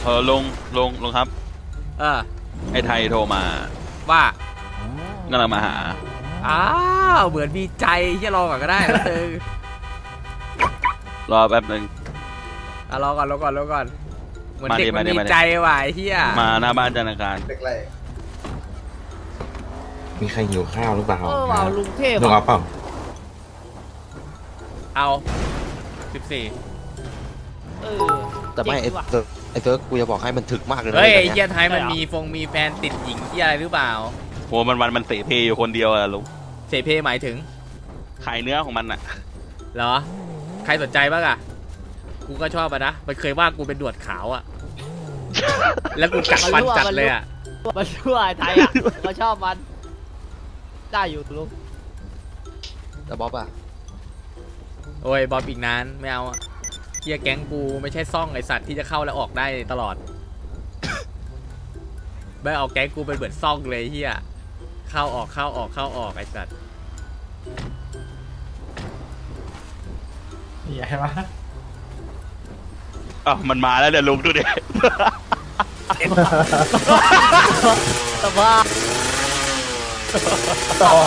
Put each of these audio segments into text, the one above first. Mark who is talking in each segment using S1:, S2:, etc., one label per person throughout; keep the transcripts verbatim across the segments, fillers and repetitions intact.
S1: เออลุงลุงลุงครับ
S2: เออ
S1: ไอ้ไทยโทรมา
S2: ว่าก
S1: ำลังมาหา
S2: อ้าวเหมือนมีใจที่รอก่อนก็ได้แล้วตึง
S1: รอแป๊บนึง
S2: อ่ะรอก่อนรอก่อนรอก่อนเหมือนเด็กมันมีใจว่ะไอ้เหี้ย
S1: มาหน้าบ้านธนาคาร
S3: มีใครหิวข้าวหรือเปล่า
S4: เออว่ะลุงเทพ
S3: ลุงเอาเปล่า
S2: เอาสิบสี่
S4: เออ
S5: แต่ไม่ไอ้เซิร์ฟไอ้เซิร์ฟกูจะบอกให้มันถึกมากเลยนะ
S2: เฮ้ยไอ้
S5: นี่
S2: เหี้ยไทยมันมีฟงมีแฟนติดหญิงที่อะไรหรือเปล่า
S1: โหมันวันมันเสเพอยู่คนเดียวอะลุง
S2: เสเพหมายถึง
S1: ขายเนื้อของมันอะ
S2: เหรอใครสนใจบ้างอะกูก็ชอบอะนะมันเคยว่ากูเป็นดวดขาวอะแล้วกูกัดฟันจัดเลยอะ
S4: มันชั่วไอ้ไทยอ่ะมาชอบมันได้อยู่ลุง
S5: แต่บ๊อบอะ
S2: โอ้ยบอลอีกนานไม่เอาอะเฮียแก๊งกูไม่ใช่ซ่องไอสัตว์ที่จะเข้าและออกได้ตลอดไม่เอาแก๊งกูเป็นเหมือนซ่องเลยเฮียเข้าออกเข้าออกเข้าออกไอสัตว์
S6: ใหญ่ปะ
S1: อ้าวมันมาแล้วเดี๋ยวลุงดูดิ
S4: แต่ว่า
S6: ต่อ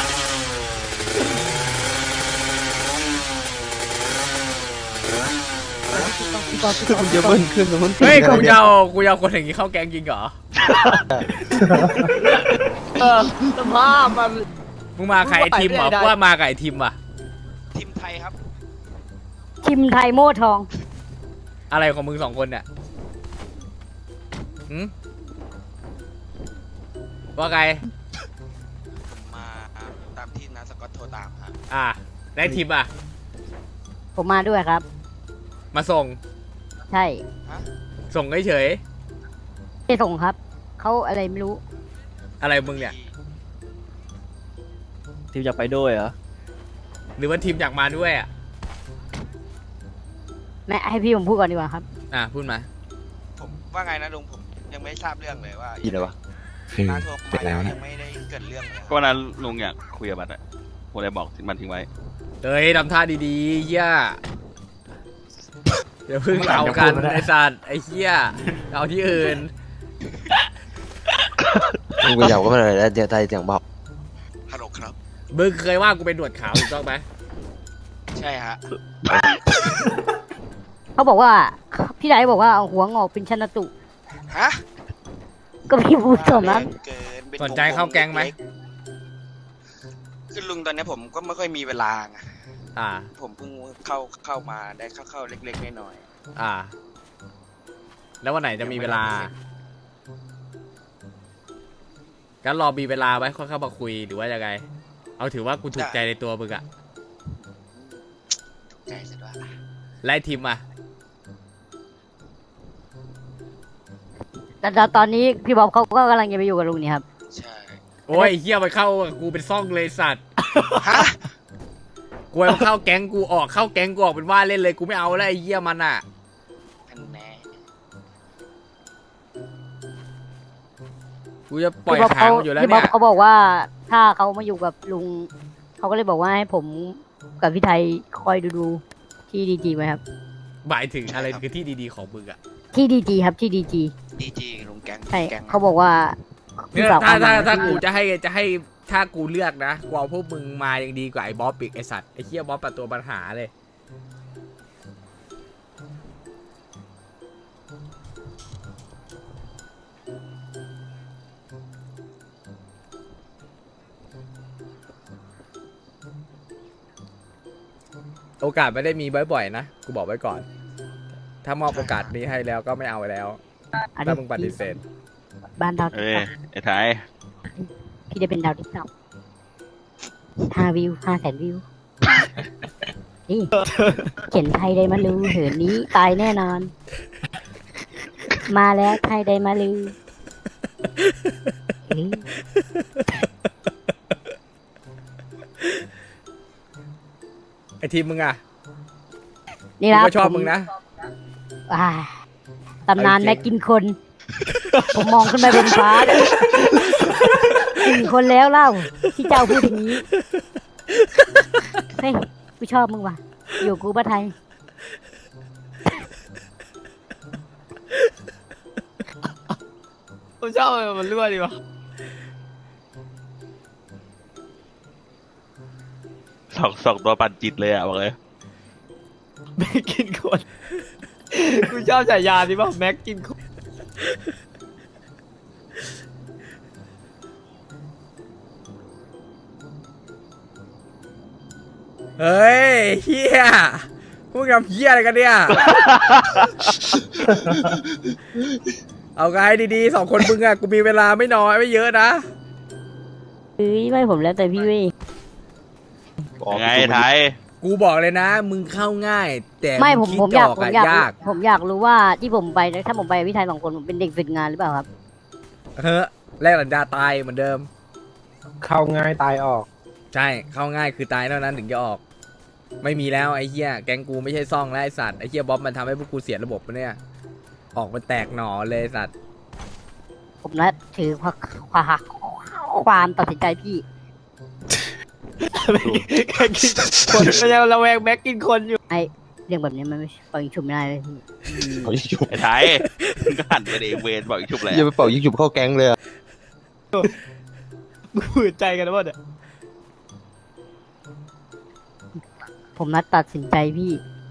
S5: คุณจะเบิ้ลขึ้นตรงนู้น
S2: เฮ้ยกูยาวกูยาวคนอย่างนี้เข้าแก๊งจริงเหรอ
S4: เออสภาพมัน
S2: มึงมาใครทีมเหรอว่ามากับไอทีมว่ะ
S7: ทีมไทยครับ
S8: ทีมไทยโม่ทอง
S2: อะไรของมึงสองคนเนี่ยหืมว่าไง
S7: มาตามที่นาสกอตโทรตามครับ
S2: อ่าได้ทีมอ่ะ
S8: ผมมาด้วยครับ
S2: มาส่ง
S8: ใช่
S2: ส่งเฉย
S8: ไม่ส่งครับเขาอะไรไม่รู้
S2: อะไรมึงเนี่ย
S5: ทีมอยากไปด้วยเหรอ
S2: หรือว่าทีมอยากมาด้วยอ่ะ
S8: แม่ให้พี่ผมพูดก่อนดีกว่าครับ
S2: อ่ะพูดมา
S7: ผมว่าไงนะลุงผมยังไม่ทราบเรื่องเลยว่า
S5: อีเลยวะ
S3: คือ
S7: นาโทร
S3: เสร็จแล้วนะ
S7: ยังไม่ได้เกิดเรื่องเลย
S1: ก็วันนั้นลุงอยากคุยกับมันอะผมเลยบอกมันทิ้งไว้
S2: เฮ้ยทำท่าดีๆเหี้ยเดี๋ยวพึ่งเอากันไอสัตว์ไอเหี้ยเอาที่อื่น
S5: ลุงก็อยากว่ามันอะไรแล้วเดี๋ยวไทยเสียงบอก
S7: ฮัลโหลครับ
S2: มึงเคยว่ากูเป็นหนวดขาวถูกต้องไหม
S7: ใช่ฮะ
S8: เขาบอกว่าพี่ไดบอกว่าเอาหัวงอกเป็นชนตุ
S7: ฮะ
S8: ก็พี่พูดสมนั้น
S2: สนใจเข้าแก๊งไหม
S7: คือลุงตอนนี้ผมก็ไม่ค่อยมีเวลาไง
S2: อ่า
S7: ผมเพิ่งเข้าเข้ามาได้เข้าเข้าเล็กๆน้อย
S2: ๆอ่าแล้ววันไหนจะมีเวลาก็รอมีเวลาไว้ค่อยเข้ามาคุยหรือว่ายังไงเอาถือว่ากูถูกใจในตัวมึงอะ
S7: ถูกใจสุดว่า
S2: ไล่ทีมอะ
S8: แต่ตอนนี้พี่บ๊อบเขาก็กำลังจะไปอยู่กับลุงนี่ครับ
S7: ใช่
S2: โอ้ยเฮียไปเข้ากูเป็นซ่องเลยสัตว์
S7: ฮะ
S2: กูไปเข้าแก๊งกูออกเข้าแก๊งกูออกเป็นว่าเล่นเลยกูไม่เอาแล้วไอ้เฮียมันอะ
S7: แน่
S2: กูจะปล่อยหางอยู่แล้วเนี่ย
S8: พี่บ๊อบเขาบอกว่าถ้าเขามาอยู่กับลุงเขาก็เลยบอกว่าให้ผมกับพี่ไทยคอยดูดูที่ดีจีไหมครับ
S2: หมายถึงอะไรคือที่ดีๆของมึงอะ
S8: ที่ดีจีครับที่ดีจี
S7: ดีจีลุงแก๊ง
S8: ใช่เขาบอกว่า
S2: เนี่ยถ้าถ้าถ้ากูจะให้จะให้ถ้ากูเลือกนะกูเอาพวกมึงมายังดีกว่าไอ้บ๊อบอีกไอ้สัตว์ไอ้เหี้ยบ๊อบเป็นตัวปัญหาเลยโอกาสไม่ได้มีบ่อยๆนะกูบอกไว้ก่อนถ้ามอบโอกาสนี้ให้แล้วก็ไม่เอาแล้วถ้ามึงปฏิเสธ
S8: บ้านดาว
S1: เอ้ยไอ้ไทย
S8: พี่จะเป็นดาวติ๊กต็อกห้าวิวห้าแสนวิวนี่เขียนไทยได้มาลือเหินนี้ตายแน่นอนมาแล้วไทยได้มาลือ
S2: ไอทีมมึงอะ
S8: นี่นะ
S2: ก็ชอบมึงนะ
S8: ตำนานแม็กกินคนผมมองขึ้นไปบนฟ้ากินคนแล้วเล่าที่เจ้าพูดอย่างนี้เฮ้ยกูชอบมึงว่ะอยู่กูบ้าไทย
S4: ผมชอบมันรั่วดีวะ
S1: สองสองตัวปั่นจิตเลยอ่ะบอกเลย
S4: แม็กกินคนกูชอบฉายาที่ว่าแม็กกินคน
S2: เฮ้ยเฮียพูดกับเฮียอะไรกันเนี่ย เอาไงดีๆสองคนมึงอะกูมีเวลาไม่น้อยไม่เยอะนะ
S8: เฮ้ยไม่ผมแล้วแต่พี่เว้ย
S1: ยังไงไทย
S2: กูบอกเลยนะ มึงเข้าง่าย แต่
S8: ไม่ผม
S2: คิด
S8: ผมอยาก
S2: จะ
S8: ผม
S2: อะ
S8: อยาก
S2: ยาก
S8: ผมอยากรู้ว่าที่ผมไปถ้าผมไปกับพี่ไทยสองคนผมเป็นเด็กฝึกงานหรือเปล่าครับ
S2: เฮ้ยแลกสัญญาตายเหมือนเดิม
S6: เข้าง่ายตายออก
S2: ใช่เข้าง่ายคือตายเท่านั้นถึงจะออก ไม่มีแล้วไอ้เหี้ยแก๊งกูไม่ใช่ซ่องแล้วไอ้สัตว์ไอ้เหี้ยบ๊อบมันทำให้พวกกูเสียระบบปะเนี่ยออกมาแตกหน่อเลยไอ้สัตว์
S8: ผมนะถือความความความตัดสินใจพี่
S4: แม็กกินคนมันยังระแวงแม็กกินคนอยู่
S8: ไอเรื่องแบบนี้มันไม่ปล่อยชุบไม่ได้เลยพี่
S5: เขายิงฉุบ
S1: ไอ้ไทยมึงก็หันไปดิเวนบอกอีกชุบแหละ
S5: อย่าไปเป่ายิงฉุบเข้าแก๊งเลยอะ
S4: มึงฝืนใจกันนะวะเนี่ย
S8: ผมนัดตัดสินใจพี่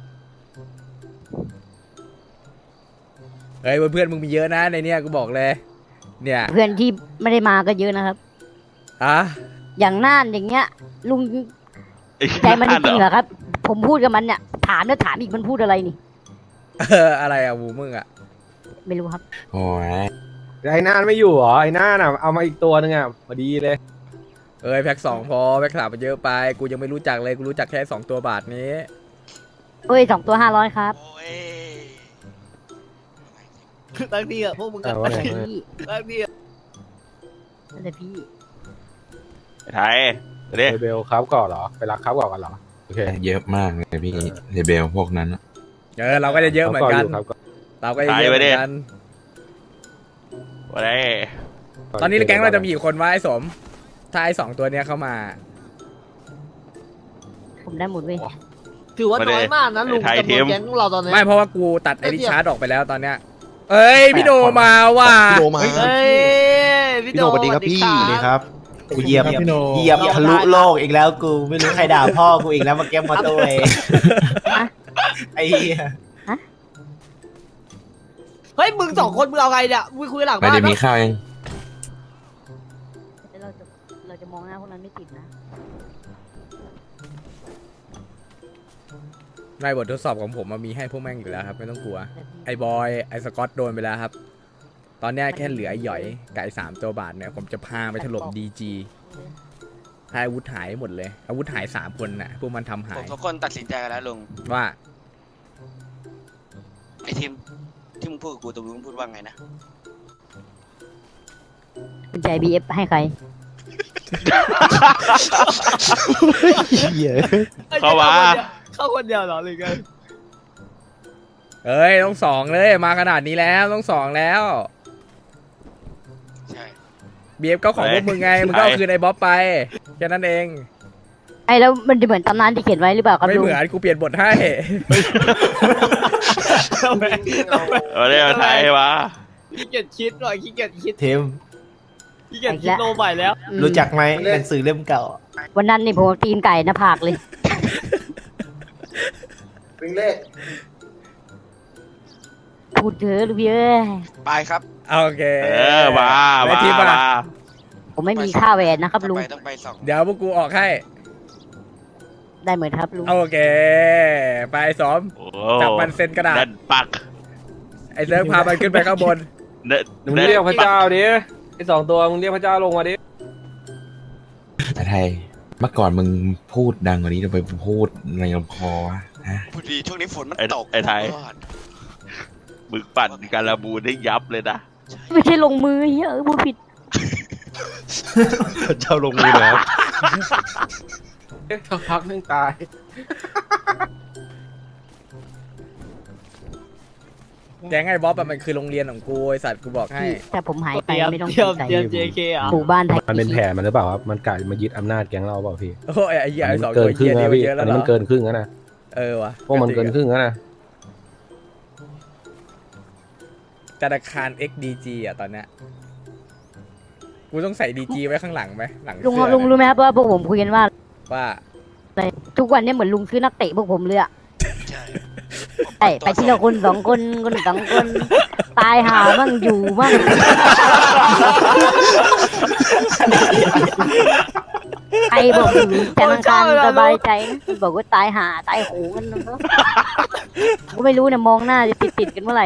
S2: เฮ้ยเพื่อนๆมึงมีเยอะนะในเนี้ยกูบอกเลย เนี่ย
S8: เพื่อนที่ไม่ได้มาก็เยอะนะครับ
S2: อะ
S8: อย่างน่านอย่างเงี้ย ลุง
S1: ไอ้
S8: ใจมันจ
S1: นั่น
S8: ริง
S1: เห
S8: เห
S1: ร
S8: ร
S1: อ
S8: อครับ ผมพูดกับมันเนี่ยถามแล้วถามอีกมันพูดอะไรนี่
S2: เอออะไรอะวูมึงอะ
S8: ไม่รู้ครับ
S3: โอ้ย
S6: ไอ้น่านไม่อยู่เหรอ ไอ้น่านอ่ะ เอามาอีกตัวนึงอ่ะพอดีเลย
S2: เอ้ยแพ็กสองพอแพ็กสามมันเยอะไปกูยังไม่รู้จักเลยกูรู้จักแค่สองตัวบาทนี้
S8: เอ้ยสองตัวห้าร้อยครับ
S7: โอ้ย
S4: ตั้งทีอะพวกมึง
S6: แต่
S4: ก็
S6: ว่า
S8: แต่
S6: ไง
S8: พี่
S4: ตั้งทีอะ
S8: แต่พี่
S1: ไอ้ไทยเดี๋ยว
S6: เรเบลครับก่อนเหรอ ไปรักครับก่อนกันเหรอ โอเค
S3: เยอะมากเลยพี่เรเบลพวกนั้นอะ
S2: เออเราก็จะเยอะเหมือนกัน
S6: ครับก่อน
S2: เราก็จะเยอะเหมือนกัน
S1: วันนี้
S2: ตอนนี้แก๊งเราจะมีกี่คนวะไอ้สม ถ้าไอ้สองตัวเนี้ยเข้ามา
S8: ผมได้หมดเว้ย
S4: ถือว่าน้อยมากนะลุงจำนวนแก๊งของเราตอนนี้
S2: ไม่เพราะว่ากูตัดไอริชาร์ดออกไปแล้วตอนเนี้ย เอ้ยพี่โนมาว่ะ
S5: พี่โดมา
S4: เฮ้ยพี่
S5: พี่โดสวัสดีครับพี่
S4: สวัส
S9: นี่ครับกูเหยียบ
S6: ครับพี่โน
S9: เหยียบทะลุโลกอีกแล้วกูไม่รู้ใครด่าพ่อกูอีกแล้วมาแก้มมาตัวเองไอ้เหี้ย
S4: เฮ้ยมึงสองคนมึงเอาไงเนี่ยมึงคุยหลัง
S3: ไม่
S4: บ้าน
S3: ได้มี
S4: ปะ
S3: ข้าวยัง
S8: แต่เราจะเราจะมองหน้าพวกนั้นไม่ติดนะ
S2: ในบททดสอบของผมมันมีให้พวกแม่งอยู่แล้วครับไม่ต้องกลัว
S8: แต่พี่
S2: ไอ้บอยไอ้สกอตโดนไปแล้วครับ ตอนเนี้ยแค่เหลือไอ้หยอยกับไอ้สามตัวบาทเนี่ยผมจะพาไปถล่มดีจีให้อาวุธหายหมดเลย อาวุธหายสามคนน่ะพวกมันทำหา
S7: ผม
S2: ย
S7: ทุกคนตัดสินใจกันแล้วลุง
S2: ว่า
S7: ไอทีมที่มึงพูดกับกูตรงนู้นพูดว่าไงนะ
S8: คุณใจบีเอฟให้ใคร
S5: เหี้ย
S1: เข้ามา
S4: เข้าคนเดียวเหรอหรือไง
S2: เอ้ยต้องสองเลยมาขนาดนี้แล้วต้องสองแล้ว
S7: ใช่
S2: บีเอฟก็ของพวกมึงไงมึงก็เอาคืนไอ้บ๊อบไปแค่นั้นเอง
S8: ไอ้แล้วมันจะเหมือนตำนานที่เขียนไว้หรือเปล่าครับ
S2: ไม่
S8: ลุง
S2: เหมือนกูเปลี่ยนบทให้
S1: วันนี้ไทยวะ
S4: ขี้เกียจคิดหน่อยขี้เกียจคิด
S9: เทม
S4: ขี้เกียจคิดโลใหม่แล้ว
S8: อืม
S9: รู้จักไหมหนังสือเล่มเก่า
S8: วันนั้นนี่ผมเอาตีนไก่หน้าผากเลย
S9: วิ่งเลข
S8: พูดเถอะลูกพี่เอ้ย
S7: ไปครับ
S2: โอเค
S1: เออมา
S2: ไอ้
S1: มา
S2: ทิป
S1: มา
S2: อะ
S8: ผมไม่มีค่าแหวนนะครับ
S7: ต้อง
S8: ลุง
S7: ไปต้องไปสอง
S2: เดี๋ยวพวกกูออกให้
S8: ได้เหมือนครับลุง
S2: โอเค ไปสอม
S1: โอ้
S2: จับมันเซ็นกระดาษ
S1: แน่นปัก
S2: ไอ้เซิร์ฟพามันขึ้นไปข้างบน
S1: เน่น
S6: มึง
S1: แน่น
S6: เรียกพระเจ้าดิ ไอ้สองตัวมึงเรียกพระเจ้าลงมาดิ
S3: ไอ้ไทยเมื่อก่อนมึงพูดดังกว่านี้ทำไมมึงพูดในลำคอวะฮะ
S7: พอดีช่วงนี้ฝนมัน
S1: ไอ้
S7: ตก
S1: ไอ้ไทย
S7: ก่อน
S1: มึงปั่นการบูนได้ยับเลยนะ
S8: ไม่ใช่ลงมือเฮ้ยเออพูดผิด
S5: พระเจ้าลงมือแล้ว
S6: เอ๊ะสักพักนึงตาย
S2: แก๊งไอ้บ๊อบอะมันคือโรงเรียนของกูไอสัตว์กูบอกให้
S8: แต่ผมหายไป
S4: เตรียม
S8: ไม่ต้อง
S4: เตรียม
S8: สนใจ
S4: เตรียม เจ เค อ่ะ
S8: หมู่บ้านไทย
S6: มันเป็นแผนมันหรือเปล่าครับ มันกะมายึดอำนาจแก๊งเราเปล่าพี่
S2: โอ้ยไอ้เหี้ยไอ้สอง
S6: เกิ
S2: ตัวน
S6: ครึ่
S2: เหี้
S6: ง
S2: ย
S6: นะ
S2: นี่มัน
S6: พี่
S2: เยอะ
S6: อั
S2: แล้ว
S6: น
S2: เหร
S6: นี้
S2: อ
S6: มันเกินครึ่งแล้วนะ
S2: เออวะ
S6: พวกมันเกินครึ่งแล้วนะ
S2: ธนาคาร เอ็กซ์ ดี จี อ่ะตอนเนี้ยกูต้องใส่ดีจีไว้ข้างหลังไหมหลัง
S8: ลุงค
S2: เสื้
S8: รับ
S2: อ
S8: ลุงรู้ไหมครับว่าพวกผมคุยกันว่า
S2: ว่า
S8: อะไรทุกวันเนี้เหมือนลุงซื้อนักเตะพวกผมเลยอะ
S7: ใช่
S8: ไอ้ไปที่ละคนสองคนคนสองคนตายหามั่งอยู่มั่งใครบอกอยู่แต่ทางการสบายใจนะบอกว่าตายหาตายโหงกันนะก็ไม่รู้เนี่ยมองหน้าจะติดติดๆกันเมื่อไหร่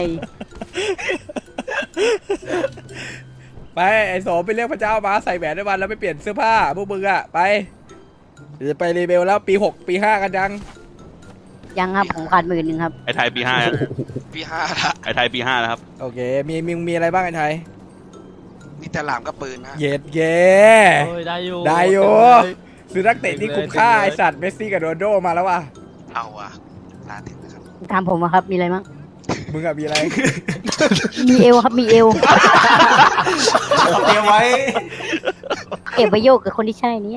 S2: ไปไอ้โสมไปเรียกพระเจ้ามาใส่แหวนด้วยวันแล้วไปเปลี่ยนเสื้อผ้าพวกมึงอะไปเดี๋ยวจะไปรีเบลแล้วปีหกปีห้ากันยัง
S8: ยังครับผมขาดหมื่นหนึ่งครับ
S1: ไอ้ไทยปีห้า
S7: พี่ห้าละ
S1: ไอ้ไทยปีห้านะครับ
S2: โอเคมีมีมีอะไรบ้างไอ้ไทย
S7: มีแต่หลามกับปืนนะ
S2: เย็ดเย่
S4: โอ้ยได้อยู่
S2: ได้อยู่ ซื้อนักเตะที่คุ้มค่าไอสัตว์เมสซี่กับโรนัลโดมาแล้วว่ะ
S7: เอาอะลาถึงนะครับ
S8: ถามผมอะครับมีอะไรมั้ง
S2: มึงอะมีอะไร
S8: มีเอวครับมีเอว
S9: เตรียมไว้
S8: เก็บไว้โยกกับคนที่ใช่เนี่ย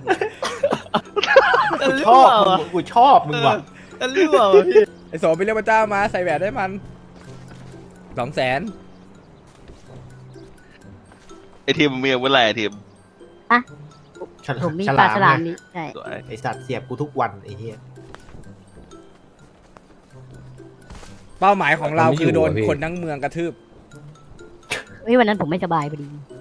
S4: จะ
S9: ช
S4: รั่
S9: อ
S4: ว
S9: บมึ
S4: อ่ะ
S9: งกูชอบมึงว่ะ
S4: จะรั่วอ่ะพี่
S2: ไอโสมไปเรียกพระเจ้ามาใส่แหวนให้มันสองแสน
S1: ไอ้ทีมมึงมีอาวุธอะไรไอ้ทีม
S8: ผมมีปลาฉลาม
S9: ไง
S8: นี่ใช่
S1: สวย
S9: ไอสัตว์เสียบกูทุกวันไอ้เหี้ย
S2: เป้าหมายของเราคือโดนคนทั้งเมืองกระทืบ
S8: เฮ้ยวันนั้นผมไม่สบายพอดี